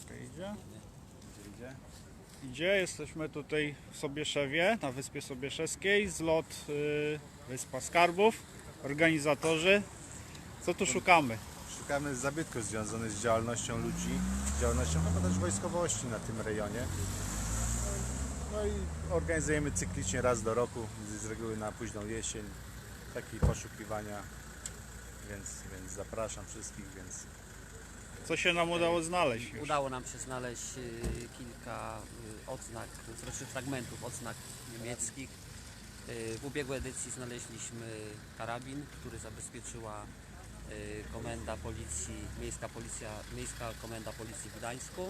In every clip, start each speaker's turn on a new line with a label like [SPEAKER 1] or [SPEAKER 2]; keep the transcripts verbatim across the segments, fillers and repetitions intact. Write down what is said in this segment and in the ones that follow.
[SPEAKER 1] Okej, idzie?
[SPEAKER 2] Gdzie idzie?
[SPEAKER 1] Idzie, jesteśmy tutaj w Sobieszewie, na Wyspie Sobieszewskiej, zlot y, Wyspa Skarbów, organizatorzy. Co tu szukamy?
[SPEAKER 2] Szukamy zabytków związanych z działalnością ludzi, z działalnością chyba też wojskowości na tym rejonie. No i organizujemy cyklicznie raz do roku, z reguły na późną jesień, takie poszukiwania, więc, więc zapraszam wszystkich, więc
[SPEAKER 1] Co się nam udało znaleźć już?
[SPEAKER 3] Udało nam się znaleźć y, kilka y, odznak, znaczy fragmentów odznak niemieckich. Y, W ubiegłej edycji znaleźliśmy karabin, który zabezpieczyła y, komenda policji, miejska policja, miejska komenda policji w Gdańsku.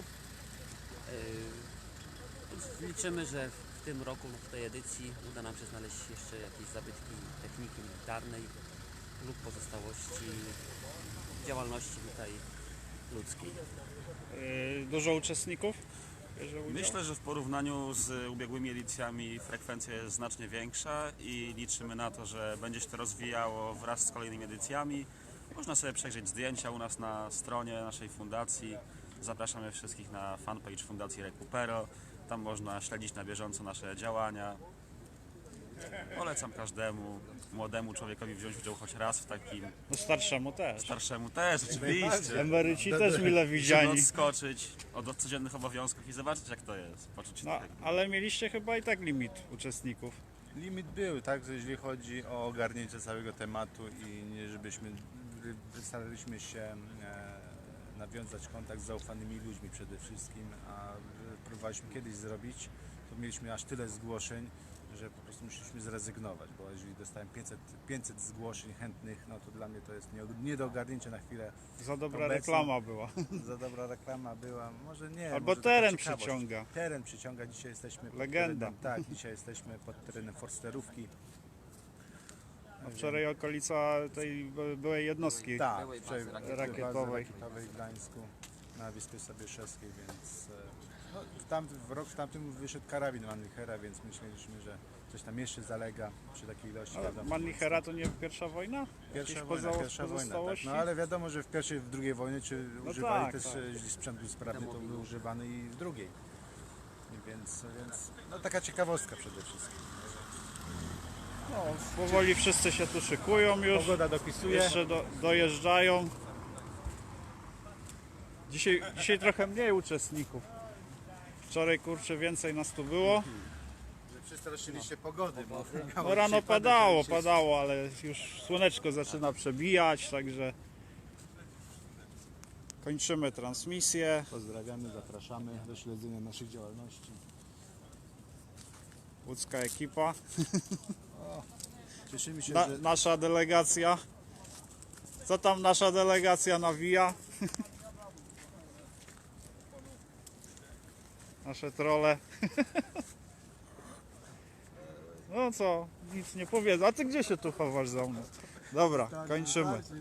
[SPEAKER 3] Y, więc Liczymy, że w tym roku, w tej edycji uda nam się znaleźć jeszcze jakieś zabytki techniki militarnej lub pozostałości działalności tutaj ludzkiej.
[SPEAKER 1] Y, Dużo uczestników bierze udział?
[SPEAKER 4] Myślę, że w porównaniu z ubiegłymi edycjami frekwencja jest znacznie większa i liczymy na to, że będzie się to rozwijało wraz z kolejnymi edycjami. Można sobie przejrzeć zdjęcia u nas na stronie naszej fundacji. Zapraszamy wszystkich na fanpage Fundacji Recupero. Tam można śledzić na bieżąco nasze działania. Polecam każdemu młodemu człowiekowi wziąć udział choć raz w takim,
[SPEAKER 1] No starszemu też.
[SPEAKER 4] starszemu też oczywiście.
[SPEAKER 1] Emeryci też mile
[SPEAKER 4] Żeby
[SPEAKER 1] widziani.
[SPEAKER 4] odskoczyć od codziennych obowiązków i zobaczyć, jak to jest. Poczuć się
[SPEAKER 1] No,
[SPEAKER 4] tak jakby-
[SPEAKER 1] ale mieliście chyba i tak limit uczestników.
[SPEAKER 2] limit był, tak, że jeśli chodzi o ogarnięcie całego tematu i nie żebyśmy, staraliśmy się e, nawiązać kontakt z zaufanymi ludźmi przede wszystkim, a próbowaliśmy kiedyś zrobić, to mieliśmy aż tyle zgłoszeń, że po prostu musieliśmy zrezygnować, bo jeżeli dostałem pięćset, pięćset zgłoszeń chętnych, no to dla mnie to jest nie, nie do ogarnięcia na chwilę.
[SPEAKER 1] Za dobra
[SPEAKER 2] Obecnie-
[SPEAKER 1] reklama była.
[SPEAKER 2] Za dobra reklama była, może nie.
[SPEAKER 1] Albo
[SPEAKER 2] może taka
[SPEAKER 1] teren
[SPEAKER 2] ciekawość.
[SPEAKER 1] przyciąga.
[SPEAKER 2] Teren przyciąga, dzisiaj jesteśmy pod
[SPEAKER 1] Legenda.
[SPEAKER 2] terenem, tak, dzisiaj jesteśmy pod terenem Forsterówki.
[SPEAKER 1] A wczoraj okolica tej by- byłej jednostki.
[SPEAKER 2] Tak,
[SPEAKER 3] Byłej
[SPEAKER 2] wczoraj
[SPEAKER 3] bazy
[SPEAKER 2] bazy
[SPEAKER 1] rakietowej.
[SPEAKER 2] rakietowej w Gdańsku na Wyspie Sobieszewskiej, więc e, no, w, tam, w rok w tamtym wyszedł karabin Mannlichera, więc myśleliśmy, że coś tam jeszcze zalega przy takiej ilości.
[SPEAKER 1] Ale
[SPEAKER 2] wiadomo.
[SPEAKER 1] Mannlichera to nie pierwsza wojna?
[SPEAKER 2] Pierwsza
[SPEAKER 1] Jakieś
[SPEAKER 2] wojna,
[SPEAKER 1] poza-
[SPEAKER 2] pierwsza wojna, tak.
[SPEAKER 1] pozostałości?
[SPEAKER 2] No ale wiadomo, że w pierwszej, w drugiej wojnie, czy
[SPEAKER 1] No
[SPEAKER 2] używali
[SPEAKER 1] tak,
[SPEAKER 2] też,
[SPEAKER 1] tak.
[SPEAKER 2] e, jeśli sprzęt był sprawny, to był używany i w drugiej. I Więc, więc no taka ciekawostka przede wszystkim.
[SPEAKER 1] No, powoli wszyscy się tu szykują już.
[SPEAKER 2] Pogoda dopisuje.
[SPEAKER 1] Jeszcze do, dojeżdżają. Dzisiaj, dzisiaj trochę mniej uczestników. Wczoraj kurczę więcej nas tu było.
[SPEAKER 2] Że przestraszyli się pogody, bo
[SPEAKER 1] No rano padało, padało, ale już słoneczko zaczyna przebijać, także kończymy transmisję.
[SPEAKER 2] Pozdrawiamy, zapraszamy do śledzenia naszych działalności.
[SPEAKER 1] Łódzka ekipa,
[SPEAKER 2] Cieszymy się,
[SPEAKER 1] Na,
[SPEAKER 2] że
[SPEAKER 1] nasza delegacja. Co tam nasza delegacja nawija? Nasze trole. No co, nic nie powiedzą. A ty gdzie się tu chowasz za mną? Dobra, kończymy.